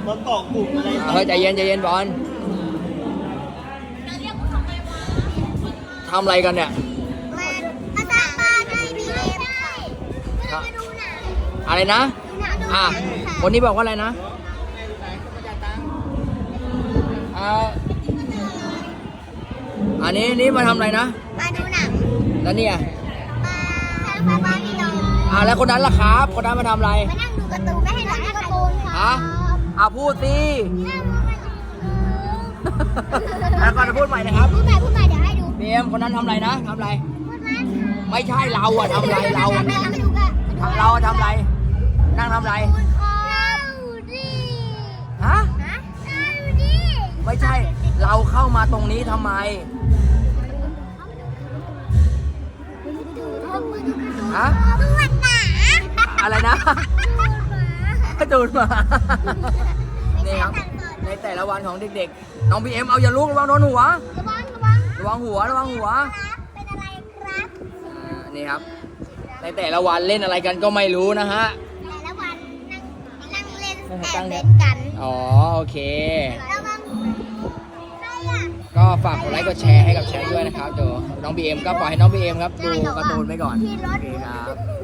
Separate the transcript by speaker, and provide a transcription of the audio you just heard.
Speaker 1: เขาเกาะกลุ่มอะไร
Speaker 2: เฮ้ยใจเย็นใจเย็นบอลทำอะไรกันเนี่ย
Speaker 3: มาตามบ้านให้บีเอ็มค่ะมาดูหนัง
Speaker 2: อะไรนะคนนี้บอกว่าอะไรนะอันนี้มาทำอะไรนะ
Speaker 3: มาดูหนัง
Speaker 2: แล้วเนี่ย
Speaker 3: มาบ้านพี่น้อง
Speaker 2: แล้วคนนั้นล่ะครับคนนั้นมาทำอะไร
Speaker 3: มานั่งดูการ์ตูนไม่ให้หนังการ์ตูนค่ะ
Speaker 2: พูดสิแล้วก่อนจะพูดใหม่นะครับ
Speaker 3: พูดใหม่เดี๋ยวให้ดู
Speaker 2: เบมคนนั้นทำอะไรนะทำอะไร
Speaker 3: พูดไหม
Speaker 2: ไม่ใช่เราอะทำอะไรเรา
Speaker 3: ไม่ดูกัน
Speaker 2: เราทำอะไรนั่งทำอะไร
Speaker 3: ดิ
Speaker 2: ฮะ
Speaker 3: ดิ
Speaker 2: ไม่ใช่เราเข้ามาตรงนี้ทำไมฮะ
Speaker 3: ดูหมา
Speaker 2: อะไรนะดูมานี่ครับในแต่ละวันของเด็กๆน้องพีเอ็มเอาอย่าลุกระวังโดนหัว
Speaker 3: ระวัง
Speaker 2: ระวังหัว
Speaker 3: เป็นอะไรครับ
Speaker 2: นี่ครับในแต่ละวันเล่นอะไรกันก็ไม่รู้นะฮะ
Speaker 3: แต่ละวันนั่งเล่นแอ
Speaker 2: ตั้
Speaker 3: บ
Speaker 2: ง
Speaker 3: เล่นกัน
Speaker 2: อ๋อโอเค
Speaker 3: ระวังใครอ่ะ
Speaker 2: ก็ฝากกดไลค์กดแชร์ให้กับแชร์ด้วยนะครับเดี๋ยวน้องบีเอ็มก็ปล่อยให้น้องบีเอ็มครับดูการ์ตูนไปก่อนโอเคครับ